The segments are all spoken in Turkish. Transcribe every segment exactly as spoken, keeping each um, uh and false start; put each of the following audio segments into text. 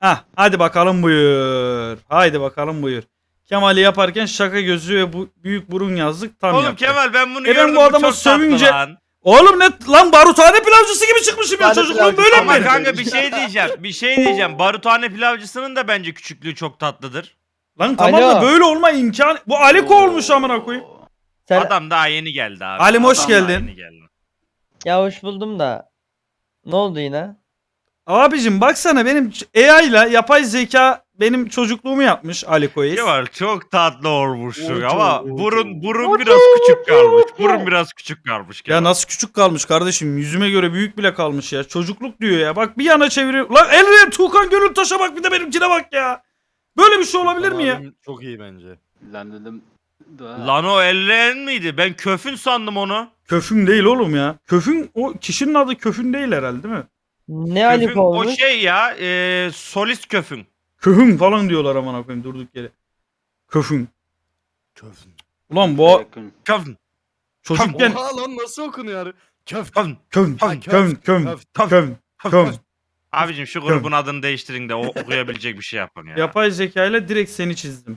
Hah, hadi bakalım buyur. Haydi bakalım buyur. Kemal'i yaparken şaka gözü ve bu büyük burun yazdık tam Oğlum yaptı. Kemal ben bunu E ben gördüm. bu adamı çok tatlı sövünce- lan. Oğlum ne lan baruthane pilavcısı gibi çıkmışım ya, Tane çocukluğum pilavcı böyle ama Ama mi? kanka bir şey diyeceğim. Bir şey diyeceğim. Baruthane pilavcısının da bence küçüklüğü çok tatlıdır. Lan tamam da Alo. böyle olma imkanı. Bu Aliko olmuş amına koyayım. Sen... Adam daha yeni geldi abi. Halim, hoş Adam daha geldin. yeni geldi. Ya hoş buldum da. Ne oldu yine? Abicim baksana, benim A I ile yapay zeka benim çocukluğumu yapmış Aliko'yu. Kemal çok tatlı olmuşsun Oğlum, ama oğlum. burun burun biraz küçük kalmış. Burun biraz küçük kalmış Kemal. Ya nasıl küçük kalmış kardeşim? Yüzüme göre büyük bile kalmış ya. Çocukluk diyor ya. Bak bir yana çeviriyor. Lan Elren Tuğkan Gönültaş'a bak, bir de benimkine bak ya. Böyle bir şey olabilir mi ya? Abim Çok iyi bence. Lan dedim. Daha... Lan o ellerin miydi? Ben köfün sandım onu. Köfün değil oğlum ya. Köfün, o kişinin adı Köfün değil herhalde, değil mi? Ne Köfün Alip o olmuş? şey ya e, solist köfün. Köfün falan diyorlar aman koyayım durduk yere. Köfün. Köfün. Ulan bu Yakın. Köfün. çocukken Oha lan nasıl okunuyor? Köf. Köfün. köfün, Ha, köfün, köfün, köf, köfün, köfün. Abicim şu grubun adını değiştirin de o okuyabilecek bir şey yapın ya. Yapay zeka ile direkt seni çizdim.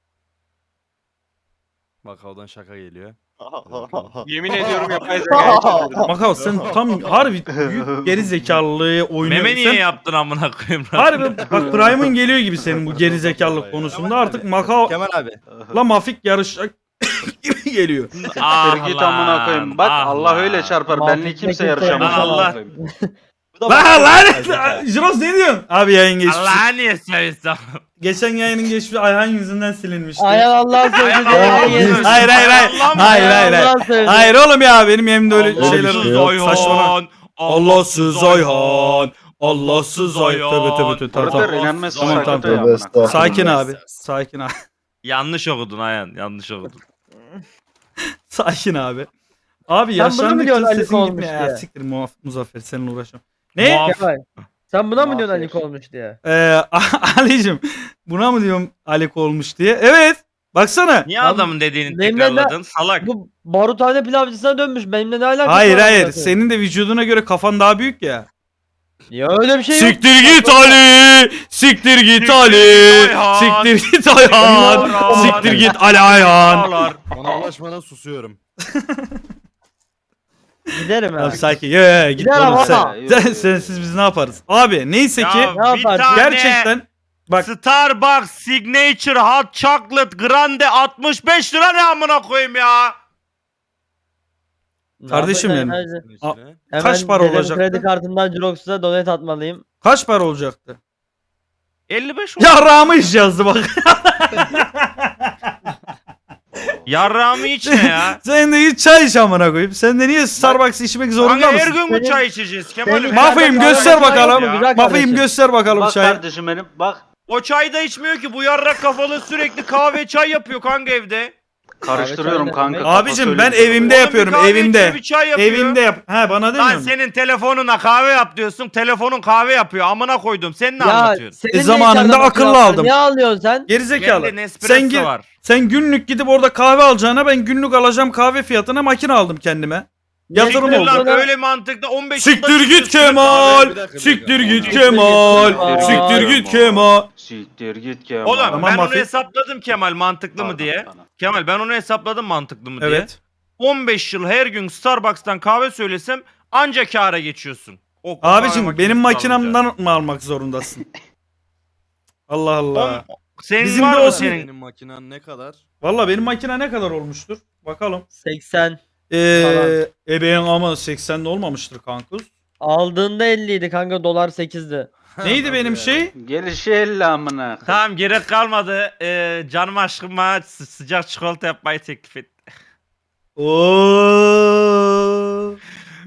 Makavdan şaka geliyor. Yemin ediyorum yapay zekaya çevirdim. Makal sen tam harbi büyük geri zekalılığı oynuyorsun. Meme niye Sen- yaptın amına koyayım? Harbi bak Prime'ın geliyor gibi senin bu geri zekalılık konusunda, artık Makao Kemal abi. la mafik yarışacak gibi geliyor. Ah Siktir git lan, amına koyayım. Bak ah Allah lan. öyle çarpar. Mahvetmek Benle kimse kimse yarışamaz. Lan Allah. amına koyayım. Lan lan Jiros ne diyorsun? Abi yayın geçmiş. Allah niye söylüyorsun? Geçen yayının geçmiş Ayhan yüzünden silinmişti. Ayhan Allah'ın sözü Ayhan diye Allah'ın yeni sözü. Hayır hayır hayır. Allah mı? Hayır hayır hayır. Allah'ın sözü. Hayır oğlum ya, benim yerimde öyle Allahsız şeyler Ayhan. saçmalama. Allahsız Ayhan. Allahsız Ayhan. Tövbe tövbe tövbe. Tamam, Brother tamam. inanmazsın Tamam, sakatı tamam. ya amına koyayım. Sakin abi. Sakin abi. Yanlış okudun Ayhan. Yanlış okudun. Sakin abi. Abi Sen bunu mu yaşlandıkça diyorsun Ali sesin olmuş gitmiyor. diye? Ya siktir Muaf- Muzaffer, seninle uğraşamam. Ne? Muaf- Kemal. Sen buna mı diyorsun Mahvet. Alik olmuş diye? Ee, Ali'cim buna mı diyorum Aliko olmuş diye? Evet. Baksana. Niye Lan, adamın dediğini benimle ne- tekrarladın? Salak. Bu baruthane pilavcısına dönmüş. Benimle ne alakası Hayır var hayır. amına koyayım? Senin de vücuduna göre kafan daha büyük ya. Ya öyle bir şey yok. Siktir git Ali. Siktir git Ali. Ayhan. Siktir git Ayhan. Ayhan. Siktir git Ali Ayhan. Ağlar. Bana ulaşmadan susuyorum. Giderim Tamam ha. sakin. Ye ye git Gider oğlum ama. sen. Yok, sen yok. sensiz biz ne yaparız? Abi neyse ki Ya Ne bir yaparsın? tane gerçekten bak Starbucks Signature Hot Chocolate Grande altmış beş lira ne amına koyayım ya? Ne Kardeşim yapacağım? yani. Bunun A- içine. Hemen kaç para dedim, olacaktı? Kredi kartımdan Jirox'a donate atmalıyım. kaç para olacaktı? elli beş oldu. Yarrağımı iş yazdı bak. Yarrağımı iç ne ya? Sen de git çay iç amına koyayım. Sen de niye Starbucks içmek zorunda Kanka her mısın? gün bu Senin- çay içeceğiz Kemal. senin- Mafyayım göster bakalım. Ya. Güzel Mafyayım kardeşim. göster bakalım Bak çayı. kardeşim benim. Bak. O çay da içmiyor ki bu yarrak kafalı sürekli kahve çay yapıyor kanka evde. Karıştırıyorum Abi, kanka. abi, kafa Abicim ben söyleyeyim. evimde Oğlum bir yapıyorum kahve evimde. içiyor, bir çay yapıyor. Evimde yap. Ha bana Lan demiyorsun. senin telefonuna kahve yap diyorsun. Telefonun kahve yapıyor. Amına koydum. Sen ne Ya anlatıyorsun? senin E, de zamanında içeride akıllı makine var. aldım. Niye alıyorsun sen? Gerizekalı. Bende Nespresso Sen gir, var. sen günlük gidip orada kahve alacağına ben günlük alacağım kahve fiyatına makine aldım kendime. Yatırım Siktir oldu. lan, öyle mantıkta on beş Siktir yılda git çıkıyorsun. Kemal. Bir dakika, bir Siktir dakika. git Siktir Kemal. git Siktir Kemal. git Kemal. Siktir git Kemal. Oğlum Tamam, ben onu Mafik. hesapladım Kemal mantıklı mı diye. Kemal ben onu hesapladım mantıklı mı diye. Evet. on beş yıl her gün Starbucks'tan kahve söylesem anca kâra geçiyorsun. O kahve Abicim makinesi benim alınca. makinamdan mı almak zorundasın? Allah Allah. On- Senin Bizim var de mı olsun. senin? Senin makinen ne kadar? Valla benim makine ne kadar olmuştur? Bakalım. seksen. Eee ebeğin ama seksende olmamıştır kankus. Aldığında elliydi kanka, dolar sekizdi. Neydi benim şey? Gelişi elle amına. Tamam gerek kalmadı. Ee, canım aşkım bana sı- sıcak çikolata yapmayı teklif etti. Oo.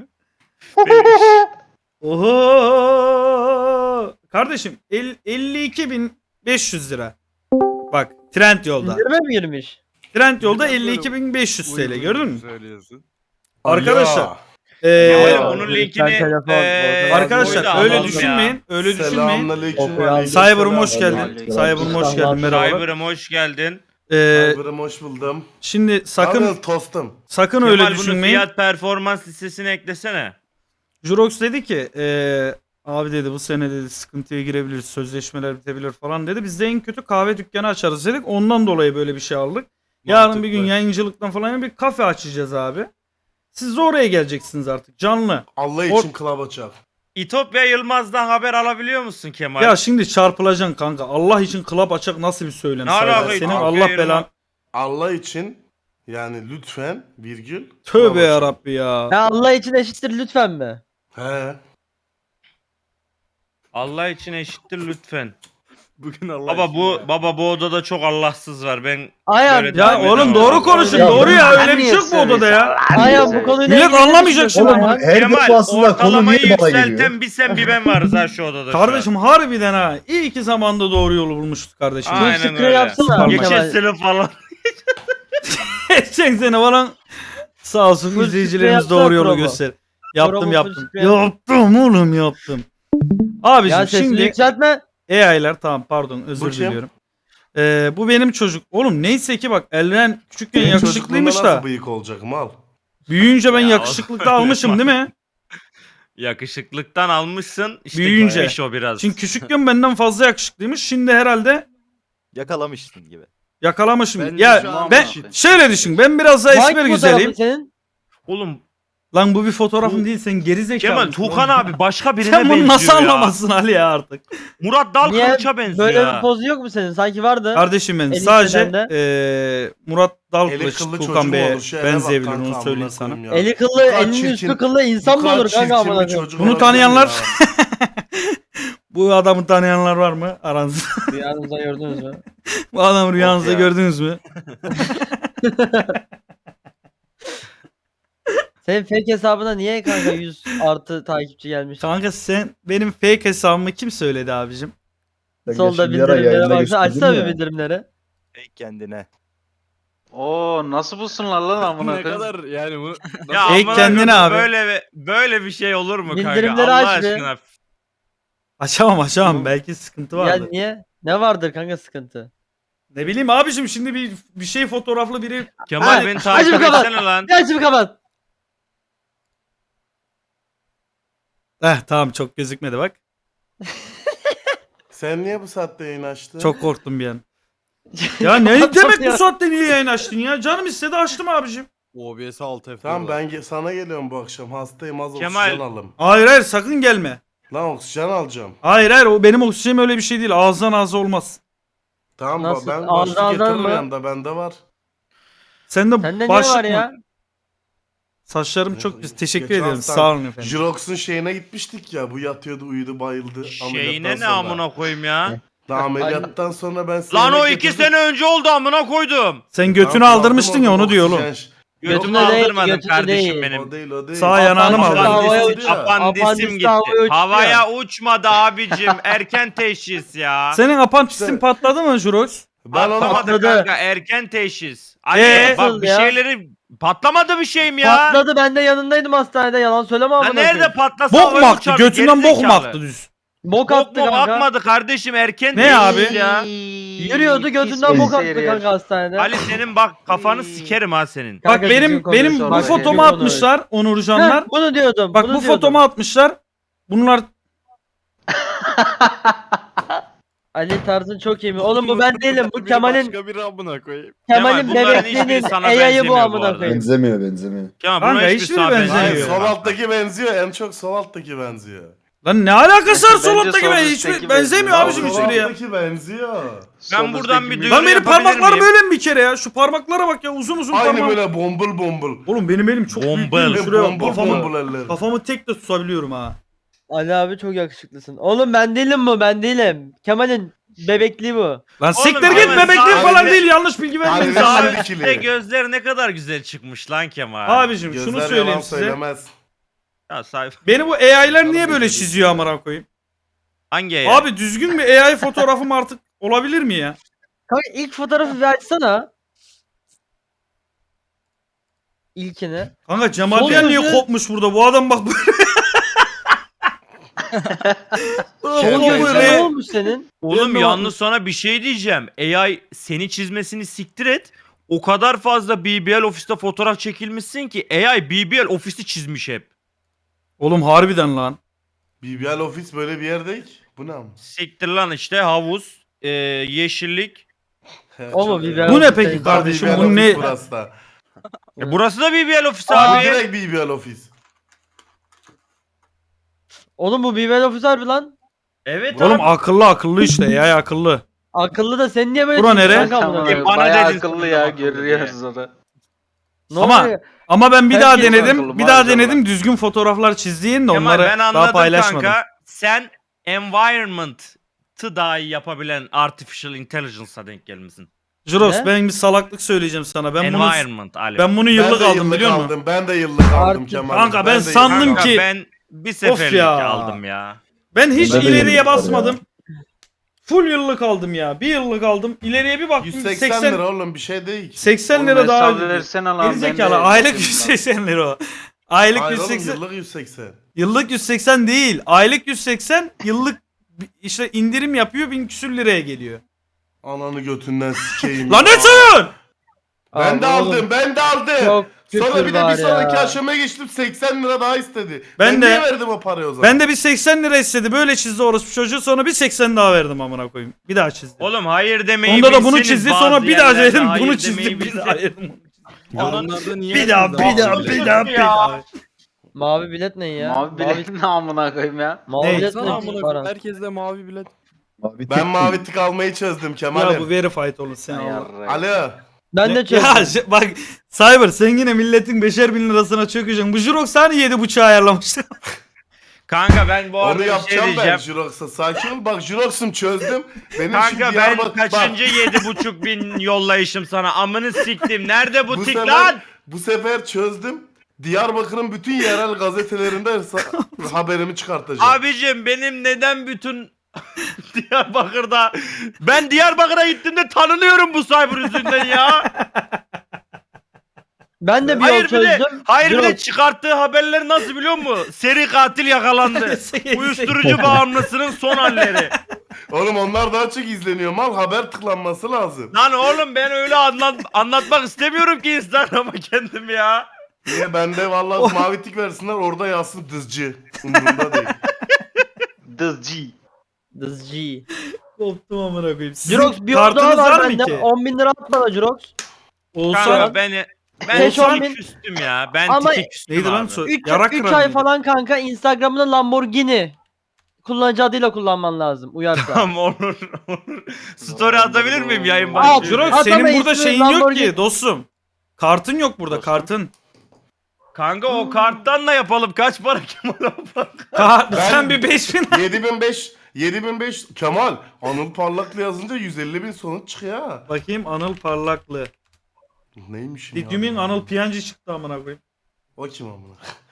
Oho. Kardeşim el- elli iki bin beş yüz lira. Bak trend yolda. İndirime mi girmiş? Trend yolda elli iki bin beş yüz T L Uygun gördün mü? Söylüyorsun. Arkadaşlar. Kemal, Eee onun lütfen linkini telefon, ee, orada arkadaşlar koydu, öyle alalım düşünmeyin. Öyle düşünmeyin. Selamünaleyküm. Okuyan- Cyber'ım hoş geldin. Aleyküm. Cyber'ım hoş geldin. Selam. ya. Merhabalar. Cyber'ım hoş geldin. Eee Cyber'ım hoş buldum. şimdi sakın Sakın tostum. sakın Kemal öyle bunu düşünmeyin. fiyat performans listesine eklesene. Jurox dedi ki eee Abi dedi bu sene dedi sıkıntıya girebiliriz. Sözleşmeler bitebilir falan dedi. Biz de en kötü kahve dükkanı açarız dedik. Ondan dolayı böyle bir şey aldık. Yarın bir gün Mantıklı. yayıncılıktan falan bir kafe açacağız abi. Siz de oraya geleceksiniz artık canlı. Allah Or- için club açar. İtopya Yılmaz'dan haber alabiliyor musun Kemal? Ya şimdi çarpılacaksın kanka. Allah için club açak nasıl bir söylem? Ne Saygı. alaka Senin İtopya Allah Yılmaz? belan. Allah için yani lütfen virgül. club Tövbe açar. yarabbi ya. Ya Allah için eşittir lütfen mi? He. Allah için eşittir lütfen. Bugün Allah Baba için bu ya. baba bu odada çok Allahsız var. Ben Ayhan. Böyle Ya devam oğlum edemem. doğru konuşun. Ya Doğru ya. ben Öyle bir niye şey yok bu odada ya. Ayhan bu konuyla Millet ilgili ne anlamayacak düşünüyorsun şimdi. Ayhan? Her Kemal defasında konu ortalamayı niye bana geliyor? yükselten bir sen bir ben varız ha şu odada şu an. Kardeşim harbiden ha. İyi ki zamanda doğru yolu bulmuştuk kardeşim. Aynen Bu sıkıntı öyle. yapsana. Süper Geçen Kemal. sene falan. Geçen sene falan sağ olsun Full izleyicilerimiz sprey doğru yapsana yolu promo. göster. Yaptım Promo yaptım. full sprey yap. Yaptım oğlum yaptım. Abiciğim Ya sesini şimdi yükseltme. A I'ler tamam pardon özür Bu kim? diliyorum. Ee, bu benim çocuk. Oğlum neyse ki bak Elren küçükken Senin yakışıklıymış çocukluğunda da. nasıl bıyık olacak mal? Büyüyünce ben Ya yakışıklıkta oğlum, almışım değil mi? Yakışıklıktan almışsın. İşte Büyüyünce. gitmiş o biraz. Şimdi küçükken benden fazla yakışıklıymış. Şimdi herhalde Yakalamışsın gibi. yakalamışım. Bence ya şu an ben eşit. şöyle düşün. Ben biraz daha Hangi esmer fotoğrafın güzeliyim. senin? Oğlum Lan bu bir fotoğrafım değil sen geri zekalı. Kemal Tuğkan abi başka birine Sen bunu benziyor nasıl ya. anlamazsın Ali ya artık? Murat Dal Niye Kılıç'a benziyor böyle ya. bir pozu yok mu senin? Sanki vardı. Kardeşim benim En sadece iyisinden eee Murat Eli Dalkılıç kıllı Tuğkan çocuğum Bey'e olur. Şu eve bak benzeyebilir kanka, onu amına söyleyeyim sana. koyayım ya. Eli kıllı, Bu kadar elinin çirkin- üstü kıllı insan Bu mı kadar olur kanka çirkin amına bir koyayım? çocuk Bunu olabilir tanıyanlar- ya. Bu adamı tanıyanlar var mı aranızda? Rüyanızda gördünüz mü? Bu adamı rüyanızda ya. gördünüz mü? Senin fake hesabına niye kanka yüz artı takipçi gelmiş? Kanka sen benim fake hesabımı kim söyledi abicim? Solda bildirimlere baksana. Açsana bir bildirimleri. Ey kendine. Oo nasıl bulsunlar lan amına Ne koyayım? kadar yani bu. Ya Ey amına kendine koyayım, abi. Böyle böyle bir şey olur mu kanka? Bildirimleri Allah aç be. aşkına. Açamam açamam belki sıkıntı Ya vardı. niye? Ne vardır kanka sıkıntı? Ne bileyim abicim şimdi bir bir şey fotoğraflı biri. Kemal Ha, beni takip hadi kapat. etsene lan. Ya şimdi kapat. Eh tamam çok gözükmedi bak. Sen niye bu saatte yayın açtın? Çok korktum bir an. Ya ne demek bu saatte niye yayın açtın ya? Canım istedi açtım abicim. O B S alt F. Tamam ben ge- sana geliyorum bu akşam. Hastayım az Kemal. oksijen alım. Hayır hayır sakın gelme. Lan oksijen alacağım. Hayır hayır o benim oksijenim öyle bir şey değil. Ağızdan ağza olmaz. Tamam Nasıl? ben Ağzı başlık ağzına getiririm mı? yanında bende var. Sen de Sende ne başlık var mı? ya? Saçlarım çok güzel. Teşekkür Geçen ederim. hafta Sağ olun efendim. Jirox'un şeyine gitmiştik ya. Bu yatıyordu uyudu bayıldı. Şeyine ameliyattan ne sonra. amına koyayım ya? Daha ameliyattan sonra ben Lan yemek o iki getirdim. sene önce oldu amına koydum. Sen götünü Tamam, aldırmıştın aldım ya oradan onu diyor oğlum. oksijen. Götümü Götümde değil, aldırmadım götümde kardeşim değil. benim. O değil o değil. Sağ yanağını mı aldın? Havaya Apandisim, uçuyor. apandisim Apandis gitti. havaya uçuyor. Havaya uçmadı abicim. Erken teşhis ya. Senin apantisin İşte- patladı mı Jurox? Ben onu Patlamadı Patladı. kanka erken teşhis. Ali Ee? bak bir Ya. şeyleri patlamadı bir şeyim ya. Patladı, ben de yanındaydım hastanede, yalan söyleme Lan amına nerede koyayım. patlasa Bok havaya mu aktı? uçardı, Götünden bok mu gerizekalı. aktı düz? Bok Bok attı mu kanka. akmadı kardeşim erken Ne teşhis abi? ya. Yürüyordu, götünden bok attı kanka hastanede. Ali senin bak kafanı sikerim ha senin. Bak Kanka benim düzgün benim konuş bu orada. fotomu Düzgün konuş. atmışlar Onurcanlar. Heh, bunu diyordum. Bak bunu bu diyordum. fotomu atmışlar. Bunlar Ali tarzın çok iyi mi? Oğlum bu ben değilim. Bu Kemal'in Başka biri amına koyayım. Kemal'in Kemal, bunların bebekliğinin hiçbiri sana A I'yı bu benzemiyor bu amına arada. koyayım. Benzemiyor benzemiyor. Kemal Kanka, buna hiçbiri hiçbir sana benzemiyor. Hayır, benzemiyor. sol alttaki benziyor. En çok sol alttaki benziyor. lan ne alakası var Bence sol alttaki sol ben üstteki hiçbir benziyor. benzemiyor Lan abicim Sol hiçbiri ya. alttaki benziyor. Ben buradan bir düğün- Lan benim yapabilir parmaklarım miyim? öyle mi bir kere ya? Şu parmaklara bak ya uzun uzun Aynı parmağım. böyle bombul bombul. Oğlum benim elim çok büyük Bombel. değil mi? Şuraya bak, Bombul kafamı, bombul eller. kafamı tek de tutabiliyorum ha. Ali abi çok yakışıklısın. Oğlum ben değilim bu, ben değilim. Kemal'in bebekliği bu. Lan siktir Kemal, git bebekliğim sağ- falan değil yanlış bilgi vermeyin. Harbi- Sağ- Harbi- Sağ üstte gözleri ne kadar güzel çıkmış lan Kemal. Abicim şunu Gözler söyleyeyim yalan size. söylemez. Ya sayfa. Beni bu A I'ler niye böyle çiziyor amına koyayım? Hangi ya? Abi düzgün bir A I fotoğrafım artık olabilir mi ya? Kanka ilk fotoğrafı bir açsana. İlkini. Kanka Cemal Sol Diyen niye gözü- kopmuş burada? Bu adam bak böyle. Sol Kendi gözü gözü- ne olmuş senin? Oğlum Ben de yalnız sana bir şey diyeceğim. A I seni çizmesini siktir et. O kadar fazla B B L ofiste fotoğraf çekilmişsin ki A I B B L ofisi çizmiş hep. Oğlum harbiden lan. B B L ofis böyle bir yer değil ki. Bu ne ama? Siktir lan işte havuz, e, yeşillik. He, O mu çok B B iyi. L Bu ne ofis peki değil. kardeşim? B B L Bu ofis ne? Burası da. E, burası da B B L ofisi Abi abi. direkt B B L ofis. Oğlum bu B B L ofis harbi lan. Evet Oğlum abi. akıllı akıllı işte ya akıllı. Akıllı da sen niye böyle Bura çıktın nere? kanka amına Tamam, koyayım? Bana bayağı dedin akıllı sana ya da akıllı görüyoruz onu. Ne Ama- oluyor? Ama ben bir Herkes daha akıllı denedim. Bir daha maşallah. denedim. Düzgün fotoğraflar çizdiğin de Kemal onları ben daha anladım paylaşmadım. kanka. Sen environment'ı daha iyi yapabilen artificial intelligence'a denk gelmişsin. Juros Ne? ben bir salaklık söyleyeceğim sana. Ben bunu Environment Ali. ben bunu Ben yıllık de aldım yıllık biliyor musun? aldım. Ben de yıllık aldım Artık- Kemal. Kanka ben de sandım yıllık Kanka ki- ben bir seferlik ya. aldım ya. Ben hiç Ben de ileriye yıllık var basmadım. Full yıllık aldım ya. Bir yıllık aldım. İleriye bir baktım yüz seksen seksen lira oğlum bir şey değil. seksen Oğlum lira daha hesap ödedim. versene lan, ben de Gerizekalı aylık bakayım yüz lan. seksen lira o. Aylık Hayır oğlum yüz seksen. yıllık yüz seksen. Yıllık yüz seksen değil. Aylık yüz seksen, yıllık bi- işte indirim yapıyor bin küsür liraya geliyor. Ananı götünden sikeyim. Lan ne ya. söylüyorsun? Ben de Abi oğlum, aldım ben de aldım. Çok Sonra küfür bir de var bir sonraki ya. aşamaya geçtim seksen lira daha istedi. Ben Ben, de- niye verdim o parayı o zaman? Ben de bir seksen lira istedi. Böyle çizdi orospu çocuğu. Sonra bir seksen daha verdim amına koyayım. Bir daha çizdi. Oğlum hayır demeyi Onda da bunu bilseniz çizdi. bazı Sonra bir daha yerlerde dedim. hayır Bunu demeyi çizdi. Bir bilseniz- daha dedim. Yorumlarda niye Bir daha, bir yazdınız daha, abi? bir daha, bir daha. Mavi bilet ne ya? Mavi bilet ne amına koyayım ya. Mavi Ne? bilet Sana ne? amına koyayım, Baran? herkes de mavi bilet. Mavi Ben tek- mavi tik almayı çözdüm Ya bu Kemal'im. verified olur sen Ay Allah. yarrayım. Alo. Ben de Ya çözdüm. ş- bak Cyber sen yine milletin beşer bin lirasına çökeceksin. Bu Jurox hani yedi buçuğa ayarlamıştı. Kanka ben bu arada Onu bir şey yapacağım ben diyeceğim. Jirox'a. Sakin ol bak Jirox'um çözdüm. Benim Kanka şimdi ben Diyarbakır... kaçıncı Bak, yedi buçuk bin yollayışım sana amını siktim. Nerede bu, bu tik sefer, lan? bu sefer çözdüm. Diyarbakır'ın bütün yerel gazetelerinde sa- haberimi çıkartacağım. Abicim benim neden bütün Diyarbakır'da ben Diyarbakır'a gittiğimde tanınıyorum bu cyber yüzünden ya. Ben de bir Hayır yol bir de çözdüm. hayır bir de Yok. çıkarttığı haberler nasıl biliyor musun? Seri katil yakalandı. Uyuşturucu bağımlısının son halleri. Oğlum onlar daha çok izleniyor mal. Haber tıklanması lazım. Lan oğlum ben öyle anlat anlatmak istemiyorum ki Instagram'a kendim ya. Niye bende vallahi mavi tik versinler orada yazsın dızcı. Umurumda değil. Dızcı. Dızcı. Koptum amına koyayım. Sizin Jirox bir yol daha kartınız var var mı bende. ki? on bin lira at bana Jirox. Olsa Kanka beni ben Beş, on tike bin. küstüm ya. Ben Ama- tike küstüm neydi lan abi. so- üç Yarak üç kıran ay mıydı? falan kanka Instagram'da Lamborghini kullanıcı adıyla kullanman lazım uyarsa. Tamam olur olur. Story atabilir miyim yayın Al, başlıyor? Jirox Atama senin burada ismi şeyin yok Lamborghini. ki dostum. Kartın yok burada Dostum. kartın. Kanka o karttan da yapalım. Kaç para Kemal abi? Ka- Ben- sen bir beş bin yedi bin beş yedi bin beş Kemal Anıl Parlaklı yazınca yüz elli bin sonuç çıkıyor ha. bakayım Anıl Parlaklı. Neymiş ya? Lityumin Anıl Piyancı çıktı amına koyayım. O kim amına?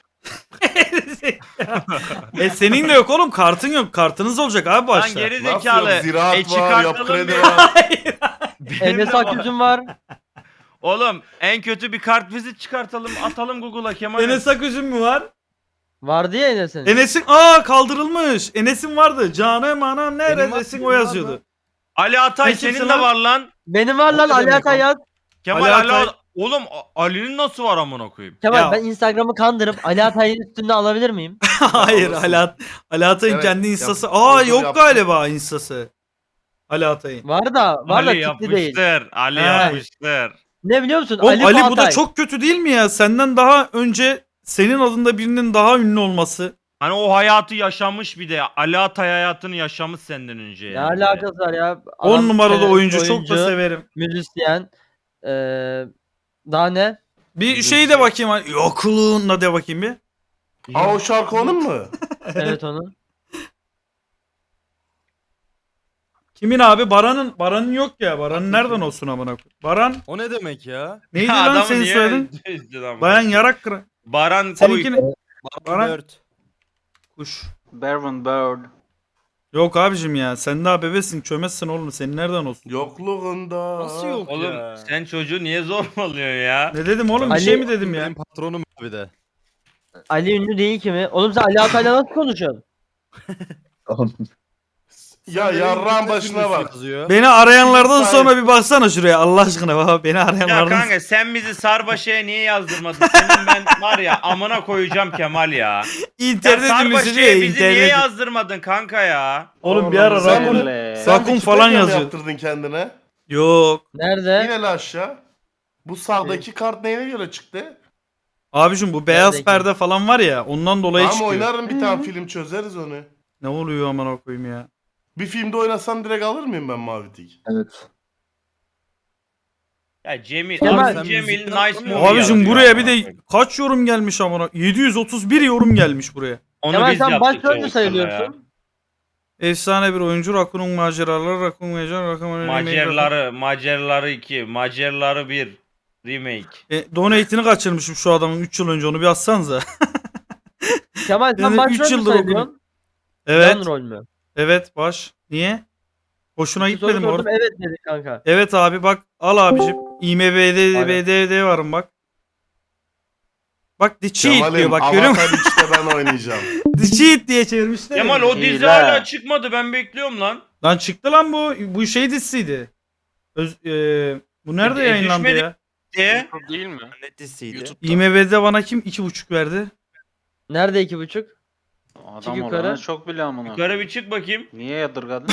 e senin de yok oğlum kartın yok. Kartınız olacak abi Lan başta. geri Nasıl zekalı. yok? Ziraat E var, çıkartalım yap kredi bir- var. Benim de Enes var. Akgüz'ün var. Oğlum en kötü bir kart vizit çıkartalım. Atalım Google'a Kemal. Enes Aküz'ün mü var? Vardı ya Enes'in. Enes'in aa kaldırılmış. Enes'in vardı. Canım anam Benim neredesin var, o benim yazıyordu. var Ali Atay Ne kimsin senin lan? de var lan. Benim var lan O ne Ali demek Atay o? yaz. Kemal Ali Ali, Atay- Oğlum A- Ali'nin nasıl var amına koyayım? Kemal Ya- ben Instagram'ı kandırıp Ali Atay'ın üstünde alabilir miyim? Hayır Olsun. Ali, At Ali Atay'ın Evet, kendi yap- instası. Aa orada yok yaptım. galiba instası. Ali Atay'ın. Var da var da Ali tipli değil. yapmıştır. Ali He. yapmıştır. Ne biliyor musun? Oğlum Ali, Ali, bu da çok kötü değil mi ya? Senden daha önce senin adında birinin daha ünlü olması. Hani o hayatı yaşamış bir de. Ali Atay hayatını yaşamış senden önce Ne yani. alakası var ya? on Adam numaralı sene- oyuncu, çok da severim. Müzisyen. Ee, daha ne? Bir şey de bakayım. hani, Yokluğunla de bakayım bir. Aa o şarkı onun mu? Evet onun. Kimin abi? Baran'ın. Baran'ın yok ya. Baran'ın nereden olsun amına koyayım? Baran O ne demek ya? neydi Ya lan adamı senin niye soyadın? üzdün ama? Bayan Yarak Kıran. Baran Koy. Seninkini Baran Baran- Bird. kuş. Berwin Bird. Yok abicim ya. Sen daha bebesin. Çömezsin oğlum. Senin nereden olsun? Yokluğunda. Nasıl yok Oğlum ya? sen çocuğu niye zorbalıyorsun ya? Ne dedim oğlum? Bir Ali- şey mi dedim ya? Benim patronum abi de. Ali ünlü değil ki mi? Oğlum sen Ali Atay'la nasıl konuşuyorsun? Ya yarrağın başına bak. Yazıyor. Beni arayanlardan Sahip. sonra bir baksana şuraya Allah aşkına baba beni Ya arayanlardan. kanka sen bizi Sarbaşı'ya niye yazdırmadın? Senin ben var ya amına koyacağım Kemal ya. Ya İnternet ünlüsü diyor Sarbaşı'ya ya, bizi niye internet. yazdırmadın kanka ya? Oğlum bir ara Sen rakun, Öyle. Sen rakun bir falan Wikipedia mı yazıyor. yaptırdın kendine? Yok. Nerede? Yine la aşağı. Bu sağdaki kart neyine göre çıktı? Abicim bu beyaz Neredeki? perde falan var ya ondan dolayı Tamam çıkıyor. oynarım bir tane film çözeriz onu. Ne oluyor aman koyayım ya. Bir filmde oynasam direkt alır mıyım ben mavi tik? Evet. Ya Cemil, Kemal, abi sen Cemil müzikten nice anlamıyor movie Abicim yazıyor buraya amına bir de koyayım. kaç yorum gelmiş amına. yedi yüz otuz bir yorum gelmiş buraya. Onu Kemal biz sen yaptık başrolcü çocuklarla sayılıyorsun. Efsane bir oyuncu Rakun'un maceraları Rakun Macar Rakun ya. Macerları, Macerları iki, Macerları bir remake. E, donate'ini kaçırmışım şu adamın üç yıl önce onu bir atsanıza. Kemal Yani sen üç başrolcü yıldır sayılıyorsun. Evet. Yan rol mü? Evet baş. Niye? Hoşuna Bir soru gitmedi mi sordum, orada? evet dedi kanka. Evet abi bak al abicim. IMBD varım bak. Bak The Cheat diyor Kemal'im bak görüyor musun? Avatar üçte ben oynayacağım. The Cheat diye çevirmişler. Kemal ya. o dizi Hile. hala çıkmadı ben bekliyorum lan. Lan çıktı lan bu. Bu şey dizisiydi. Öz, e, bu nerede E, yayınlandı düşmedi. ya? De. Değil mi? Ne dizisiydi? YouTube'da. IMB'de bana kim iki buçuk verdi? Nerede iki buçuk? Adam yukarı. olanı çok biliyor amına. Yukarı bir çık bakayım. Niye yadırgadın?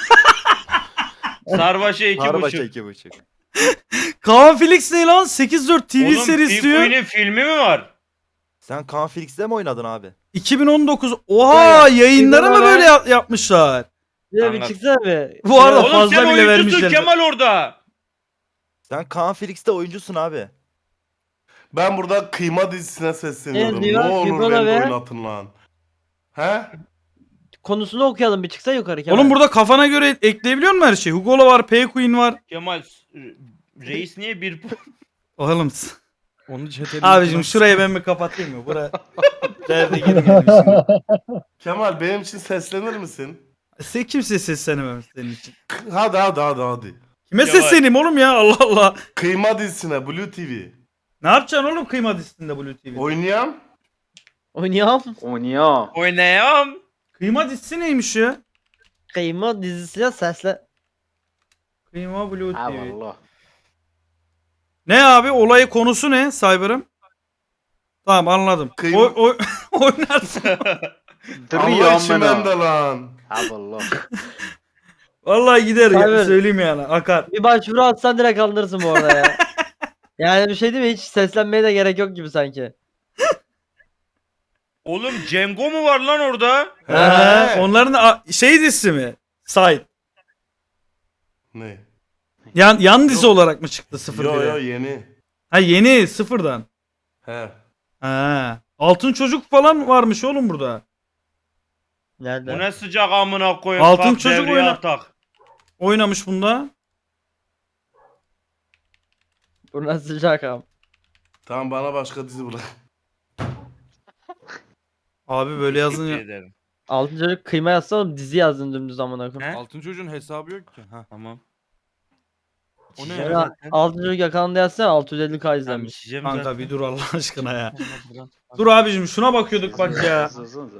Sarbaşa iki Sarbaşa buçuk. iki buçuk. Kaan Felix ne lan? sekiz dört T V Oğlum serisi diyor. Pinguin'in filmi mi var? Sen Kaan Felix'te mi oynadın abi? iki bin on dokuz. Oha yayınları mı Kemal. böyle yap- yapmışlar? Bir de bir Anlat. çıksana bir. Bu arada Oğlum fazla sen bile oyuncusun vermişler. Kemal orada. Sen Kaan Felix'te oyuncusun abi. Ben burada Kıyma dizisine sesleniyorum. Ne diyor? Ne olur Kıyma beni be. oynatın lan. He? Konusunu okuyalım bir çıksa yukarı Kemal. Oğlum burada kafana göre ekleyebiliyor musun her şeyi? Hugo'la var, P Queen var. Kemal reis niye bir Oğlum. Onu çeteli. Abicim şurayı ben bir kapatayım mı? Bura derde girmeyelim şimdi. Kemal benim için seslenir misin? Sen kimse seslenemem senin için. Hadi hadi hadi hadi. Kime Kemal. sesleneyim oğlum ya Allah Allah. Kıyma dizisine Blue T V. Ne yapacaksın oğlum kıyma dizisinde Blue T V'de? Oynayan Oynayalım. Oynuyor. oynayam. Kıyma dizisi neymiş ya? Kıyma dizisine sesle. Kıyma Blue Ha T V. valla. Ne abi olayı konusu ne Cyber'ım? Tamam anladım. Kıyma- O, o, oynarsın. Duruyor Allah için amına. bende lan. Ha valla. Vallahi gider ya Cyber. söyleyeyim yani akar. Bir başvuru atsan direkt alınırsın bu arada ya. Yani bir şey değil mi? Hiç seslenmeye de gerek yok gibi sanki. Oğlum Cengo mu var lan orada? He, He. onların a- şey dizisi mi? Side. Ne? Yan, yan dizi olarak mı çıktı sıfır Yo bire? yo yeni. Ha yeni sıfırdan. He. Ha. Altın çocuk falan varmış oğlum burada. Nerede? Bu ne sıcak amına koyayım. Altın Kalk çocuk devreye oyna- atak. Oynamış bunda. Bu nasıl sıcak am? Tamam bana başka dizi bırak. Abi böyle yazın ya. Teşekkür ederim. Altın çocuk kıyma yazsa oğlum dizi yazdın dümdüz amına koyayım. He? Altın çocuğun hesabı yok ki. Ha. Tamam. O ne Ya ya? da altın çocuk yakalanda yazsana altı yüz elli K Tamam izlenmiş. içeceğim Kanka zaten. bir dur Allah aşkına ya. Dur abicim şuna bakıyorduk bak ya. Hızlı.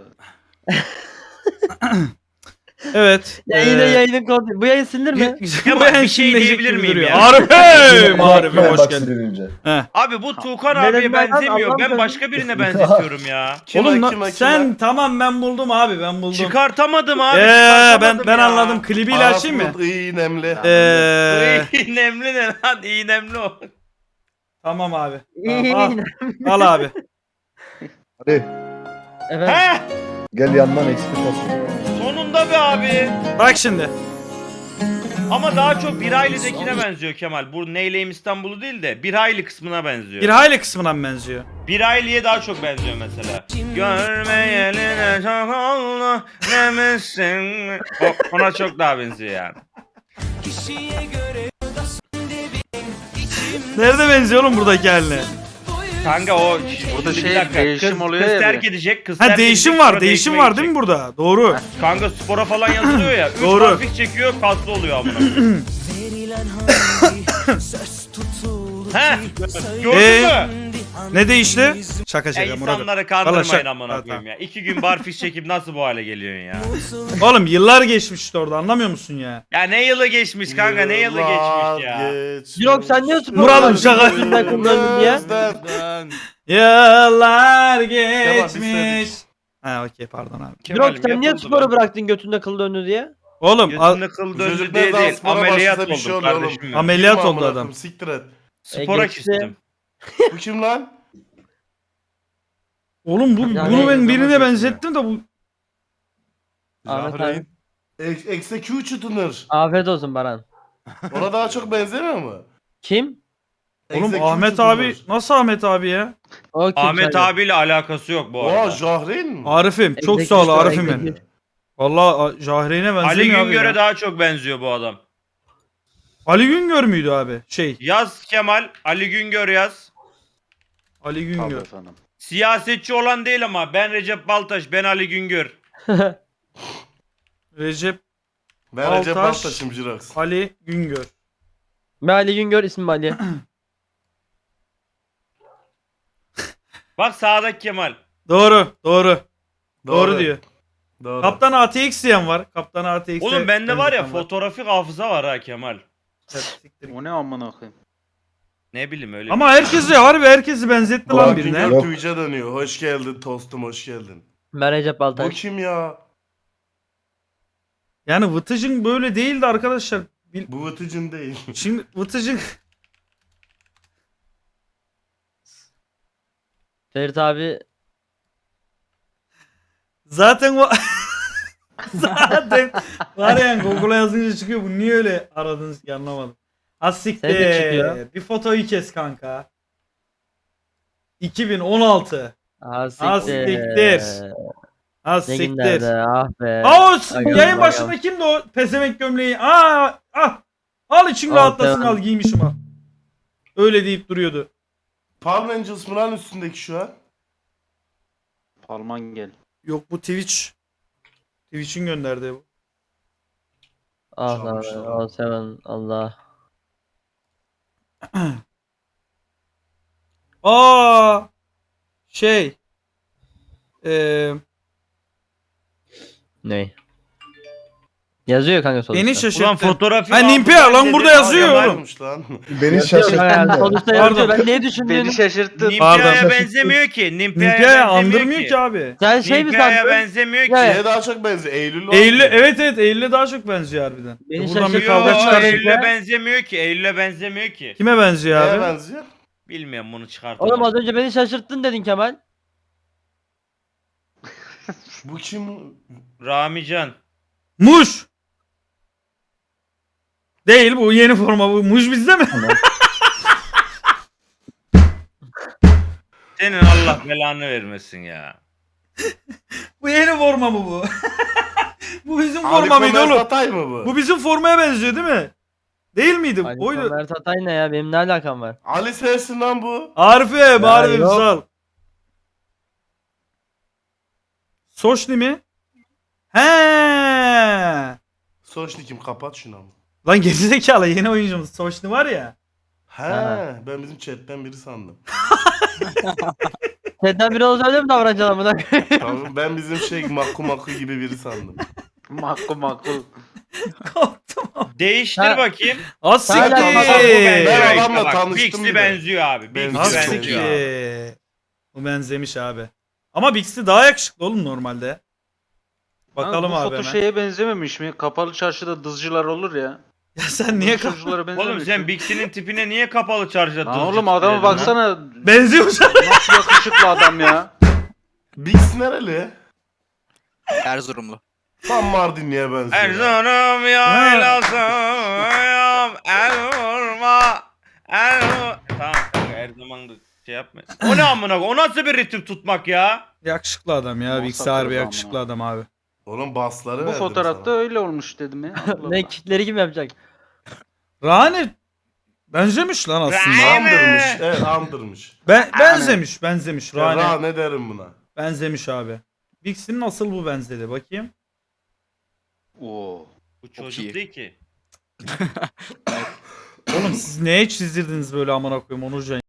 Evet. Ya ee, yine yayının kodu. Bu yayın silinir mi? Kemal, Bu en bir şey şimdilecek diyebilir gibi miyim duruyor. ya? Arif'im! Arif'im hoş Bak geldin. silinince. Heh. Abi bu Tuğkan Neden abiye ben- benzemiyor. Allah'ım Ben ben- başka birine benzetiyorum ya. Kime, Oğlum na- kime, sen kime? tamam ben buldum abi ben buldum. Çıkartamadım abi. Ee, çıkartamadım ben ben ya. anladım. Klibiyle açayım mı? Arafut iyi nemli. Ee, İğnemli ne lan? İğnemli o. tamam abi. Tamam, al, al abi. Hadi Evet. He! gel yandan eksik olsun. Sonunda be abi. Bak şimdi. Ama daha çok bir ailedekine benziyor Kemal. Bu Neyleyim İstanbul'u değil de bir aile kısmına benziyor. Bir hayli kısmından benziyor. Bir aileye daha çok benziyor mesela. Görmeyeli ne çok oldu demişsin. O, ona çok daha benziyor yani. Nerede benziyor oğlum buradaki haline? Kanka o Burada bir şey, dakika, değişim kız, oluyor kız ya terk bir. edecek, kız Ha terk değişim edecek, var, sonra değişim değişmeye var değil mi burada? Doğru. Kanka spora falan yazılıyor ya. Üç Doğru. harflik çekiyor, kaslı oluyor amına. He? Gördün Ee? mü? Ne değişti? Şaka Ya şaka Murat'ım. insanları Vallahi kandırmayın şaka- amına Ha, koyayım ya. İki gün barfiş çekip nasıl bu hale geliyorsun ya? Oğlum yıllar geçmişti orada anlamıyor musun ya? Ya ne yılı geçmiş kanka ne yılı geçmiş ya? Jirok, sen niye spor Murat'ım yapıyorsun? şaka- Götünden kıllandın diye. Ben. Yıllar biz geçmiş. Ha okey pardon abi. Jirok, sen niye yapıldı sporu lan. bıraktın götünde kıl döndü diye? Oğlum al- Götünde kıl Bu döndü çocuk diye ne zaman değil. spora Ameliyat başlasa bir şey oldum oluyor kardeşim. oğlum. benim. ameliyat Kim oldu amına adam. koyayım, Siktir et. Spora geçti. küstüm. Bu kim lan? Oğlum bu Yani- bunu ben birine Zaman benzettim de bu Ahmet Jahreyn. abi. Ex- Executioner. Afiyet olsun Baran. Ona daha çok benzemiyor mu? Kim? oğlum Executioner. Ahmet abi nasıl Ahmet abi ya? O kim? Ahmet Söyle. abiyle alakası yok bu Oha arada. Jahreyn mi? Arif'im çok Executive, sağ ol Arif'im benim. executive. Valla Jahreyn'e Ali benzemiyor abi Güngör'e ya. daha çok benziyor bu adam. Ali Güngör müydü abi? Şey Yaz Kemal, Ali Güngör yaz. Ali Tabii Güngör. efendim. Siyasetçi olan değil ama ben Recep Baltaş, ben Ali Güngör. Recep Ben Recep Baltaş. Baltaş'ım Jirox. Ali Güngör. Ben Ali Güngör, ismim Ali. Bak sağdaki Kemal. Doğru doğru. Doğru, diyor. Doğru. Kaptan A T X diyen var. Kaptan A T X'e Oğlum bende var ya benzeten fotoğrafik hafıza var ha Kemal. Evet, siktir git. O ne amına koyayım? Ne bileyim öyle. Ama herkesi harbi herkesi benzetti lan Ulan birine. Güngör Yok. Twitch'e dönüyor. Hoş geldin tostum hoş geldin. Ben Recep Bu Baltaş. kim ya? Yani Vıtıcın böyle değildi arkadaşlar. Bil- Bu Vıtıcın değil. Şimdi Vıtıcın Ferit abi. zaten o zaten var ya Google'a yazınca çıkıyor. Bu niye öyle aradınız ki anlamadım. Az Sen de çıkıyor. siktir. Bir fotoyu kes kanka. iki bin on altı. Ah Ah, siktir. siktir. Az Ne siktir. günlerde ah be. Aa o s- Aga, yayın aga. başında kimdi o pezevenk gömleği? Aa ah. Al için Al, rahatlasın devam. al giymişim al. Öyle deyip duruyordu. Palm Angels mı lan üstündeki şu an? Palman gel. Yok bu Twitch. Twitch'in gönderdiği bu. Ah lan Çalmışlar. o seven Allah. Aa şey eee Ne? Yazıyor kanka sonuçta. beni Ulan şaşırttı. fotoğrafik Ha, Nimpia, hafıza lan dedi, burada abi yazıyor Kemal. oğlum. Varmış lan. Beni Yazıyor şaşırttın kanka, da. sonuçta yazıyor. Pardon. Ben neyi Beni düşündüğünü. şaşırttın. Pardon. Nimpia'ya benzemiyor ki. Nimpia'ya Nimpia'ya benzemiyor andırmıyor ki abi. Sen şey mi Nimpia'ya sandın? benzemiyor ki. Ya, Şeye daha çok benziyor. Eylül var. Eylül'e evet evet Eylül'e daha çok benziyor harbiden. Beni Buradan bir şaşırttı. kavga Yo, çıkar. Eylül'e benzemiyor ki. Eylül'e benzemiyor ki. Kime benziyor Neye abi? benziyor? Bilmiyorum bunu çıkartalım. Oğlum az önce beni şaşırttın dedin Kemal. Bu kim? Ramican. Muş. Değil bu yeni forma bu. Muş bizde mi? Senin Allah belanı vermesin ya. Bu yeni forma mı bu? Bu bizim Ali forma mıydı Komer oğlum? Tatay mı bu? Bu bizim formaya benziyor değil mi? Değil miydi? Ali Oydu. Mert Atay ne ya? Benim ne alakam var? Ali sensin lan bu. Arif'e Arif'im yok. sağ ol. Soşni mi? He. Soşni kim? Kapat şunu ama. Lan gerizekalı yeni oyuncumuz Soşni var ya. He, Ha. ben bizim chatten biri sandım. Senden biri olsa öyle mi davranacaksın amına? Tamam, ben bizim şey makku makku gibi biri sandım. Makul makul. Korktum. Değiştir Ha. bakayım. Az Hala siktir. ama Bak, bu benziyor Ben işte adamla bak. tanıştım Bixi bir de. benziyor abi. Bixi Benziyor. Az Çok benziyor. siktir. Bu benzemiş abi. Ama Bixi daha yakışıklı oğlum normalde. Bakalım bu abi foto hemen. şeye benzememiş mi? Kapalı çarşıda dızcılar olur ya. Ya sen niye kaf- Çocuklara benzememiş Oğlum sen mi? Bixi'nin tipine niye kapalı çarjda Lan oğlum adama baksana. benziyormuş abi. Nasıl yakışıklı adam ya. Bix nereli? Erzurumlu. Tam Mardinli'ye benziyor. Erzurum yaylasıyım el vurma el vur- Tamam kanka her zaman da şey yapma. O ne amına koy- o nasıl bir ritim tutmak ya? Yakışıklı adam ya. Nasıl Bixi harbi atarız yakışıklı amına? adam abi. Oğlum basları Bu verdim fotoğrafta sana. öyle olmuş dedim ya. Allah Ne Allah. kitleri kim yapacak? Rani benzemiş lan aslında. Rani. Andırmış. Evet andırmış. Ben, benzemiş benzemiş Ya, Rani. Ra ne derim buna? Benzemiş abi. Bixi'nin nasıl bu benzedi bakayım. Oo. Bu çocuk iyi. değil ki. Oğlum siz neye çizdirdiniz böyle amına koyayım Onurcan?